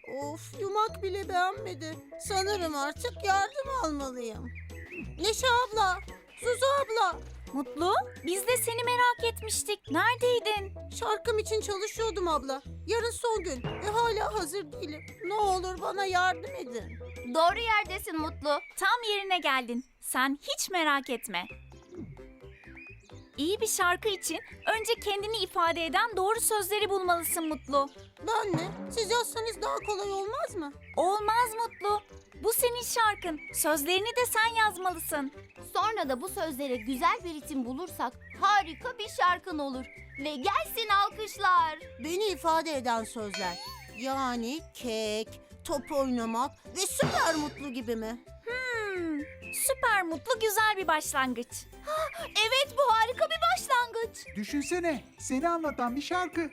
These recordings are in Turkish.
Of, yumak bile beğenmedi. Sanırım artık yardım almalıyım. Neşe abla, Zuzu abla. Mutlu, biz de seni merak etmiştik. Neredeydin? Şarkım için çalışıyordum abla. Yarın son gün ve hala hazır değilim. Ne olur bana yardım edin. Doğru yerdesin Mutlu. Tam yerine geldin. Sen hiç merak etme. İyi bir şarkı için önce kendini ifade eden doğru sözleri bulmalısın Mutlu. Ben mi? Siz yazsanız daha kolay olmaz mı? Olmaz Mutlu. Bu senin şarkın. Sözlerini de sen yazmalısın. Sonra da bu sözlere güzel bir ritim bulursak harika bir şarkın olur. Ve gelsin alkışlar. Beni ifade eden sözler. Yani kek, top oynamak ve süper mutlu gibi mi? Süper Mutlu güzel bir başlangıç. Evet, bu harika bir başlangıç. Düşünsene, seni anlatan bir şarkı.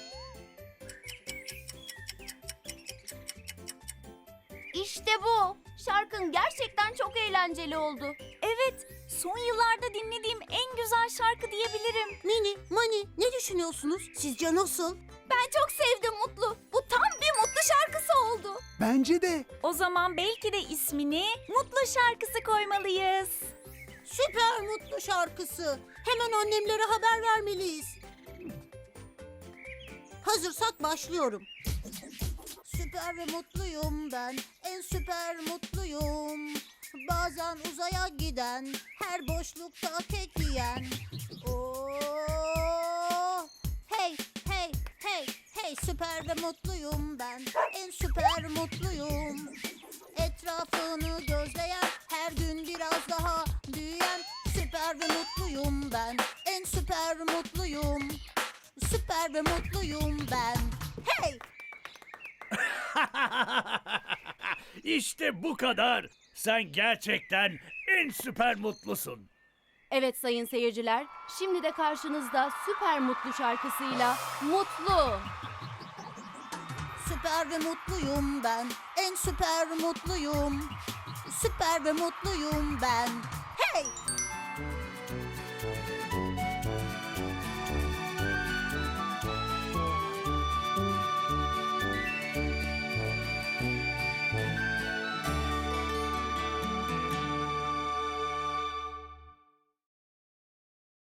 İşte bu. Şarkın gerçekten çok eğlenceli oldu. Evet, son yıllarda dinlediğim en güzel şarkı diyebilirim. Mini, Mani ne düşünüyorsunuz? Sizce nasıl? Ben çok sevdim Mutlu. Bu tam bir Mutlu şarkısı oldu. Bence de. O zaman belki de ismini Mutlu şarkısı koymalıyız. Süper mutlu şarkısı. Hemen annemlere haber vermeliyiz. Hazırsak başlıyorum. Süper ve mutluyum ben, en süper mutluyum. Bazen uzaya giden, her boşlukta kek yiyen. Oo, hey, hey, hey, hey, süper ve mutluyum ben, en süper mutluyum. Etrafını gözleyen, her gün biraz daha büyüyen. Süper ve mutluyum ben, en süper mutluyum. Süper ve mutluyum ben. Hey! İşte bu kadar. Sen gerçekten en süper mutlusun. Evet sayın seyirciler, şimdi de karşınızda Süper Mutlu şarkısıyla Mutlu. Süper ve mutluyum ben, en süper mutluyum. Süper ve mutluyum ben. Hey!